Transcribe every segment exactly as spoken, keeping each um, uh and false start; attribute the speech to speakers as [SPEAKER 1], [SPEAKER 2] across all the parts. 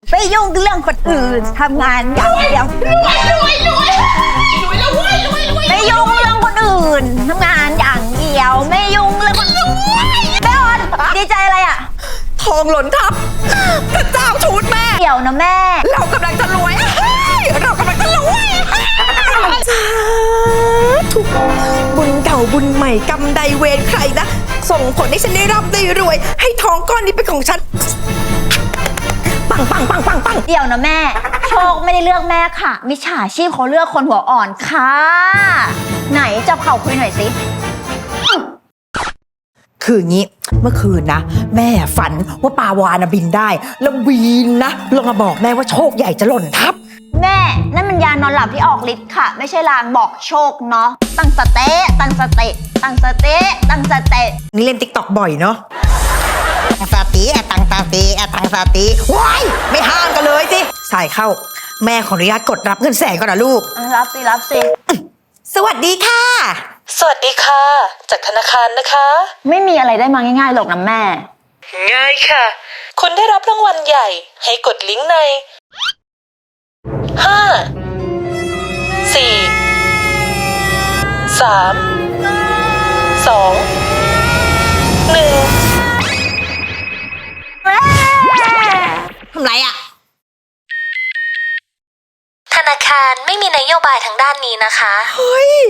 [SPEAKER 1] ไปยุ่งเรื่องคนอื่นทำงานอย่างเดียวรวยรวยรวยรวยแล้วรวยรวยรวยไม่ยุ่งเรื่องคนอื่นทำงานอย่างเดียวไม่ยุ่งเรื่องคนอื่นแม่ออนดีใจอะไรอ่ะ
[SPEAKER 2] ทองหล่นทับพระเจ้าชูดแม่
[SPEAKER 1] เดี๋ยวนะแม่
[SPEAKER 2] เรากำลังจะรวยเรากำลังจะรวยสาธุบุญเก่าบุญใหม่กรรมใดเวรใครนะส่งผลให้ฉันได้ร่ำได้รวยให้ทองก้อนนี้เป็นของฉันปังปังปังปังปัง
[SPEAKER 1] เดี๋ยวนะแม่โชคไม่ได้เลือกแม่ค่ะมิจฉาชีพเขาเลือกคนหัวอ่อนค่ะไหนจับเข่าคุยหน่อยสิ
[SPEAKER 2] คืองี้เมื่อคืนนะแม่ฝันว่าปลาวานะบินได้แล้วบินนะลงมาบอกแม่ว่าโชคใหญ่จะหล่นทับ
[SPEAKER 1] แม่นั่นมันยานอนหลับที่ออกฤทธิ์ค่ะไม่ใช่ลางบอกโชคเนาะตั้งสเต๊ะตั้งสเต๊ะตั้งสเต๊ะตั้งสเต๊ะ
[SPEAKER 2] นี่เล่นติ๊กต็อกบ่อยเนาะสติแอตังสติแอตังสติว้ายไม่ห้ามกันเลยสิสายเข้าแม่ขออนุญาตกดรับเงินแสนก่อนนะลูก
[SPEAKER 1] รับสิรับสิ
[SPEAKER 2] สวัสดีค่ะ
[SPEAKER 3] สวัสดีค่ะจากธนาคารนะคะ
[SPEAKER 1] ไม่มีอะไรได้มาง่ายๆหรอกนะแม่
[SPEAKER 3] ง่ายค่ะคุณได้รับรางวัลใหญ่ให้กดลิงก์ในห้าสี่สามสองหนึ่ง
[SPEAKER 2] ทำไรอะ
[SPEAKER 3] ธนาคารไม่มีนโยบายทางด้านนี้นะคะ
[SPEAKER 2] เฮ้ย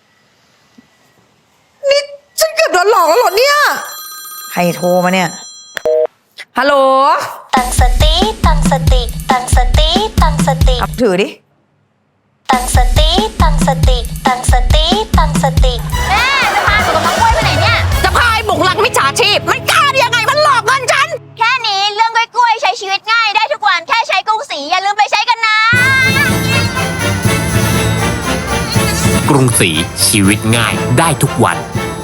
[SPEAKER 2] นี่ฉันเกือบโดนหลอกแล้วเหรอเนี่ยใครโทรมาเนี่ยฮัลโหล
[SPEAKER 3] ตั้งสติตั้งสติตั้งสติตั้งสติ
[SPEAKER 2] เอาถือดิ
[SPEAKER 3] ตั้งสติตั้งสติตั้งสติตั้งสติ
[SPEAKER 1] แม่จะพาหนูกับน้องกล้วยไปไหนเนี่ย
[SPEAKER 2] จะพาไอ้บุกหลักมิจฉาชีพมันกล้าได้ยังไงมันหลอกเงินฉัน
[SPEAKER 1] แค่นี้เรื่องกล้วยๆใช้ชีวิตง่ายได้ทุกวันแค่ใช้กรุงศรีอย่าลืมไปใช้กันนะ
[SPEAKER 4] กรุงศรีชีวิตง่ายได้ทุกวัน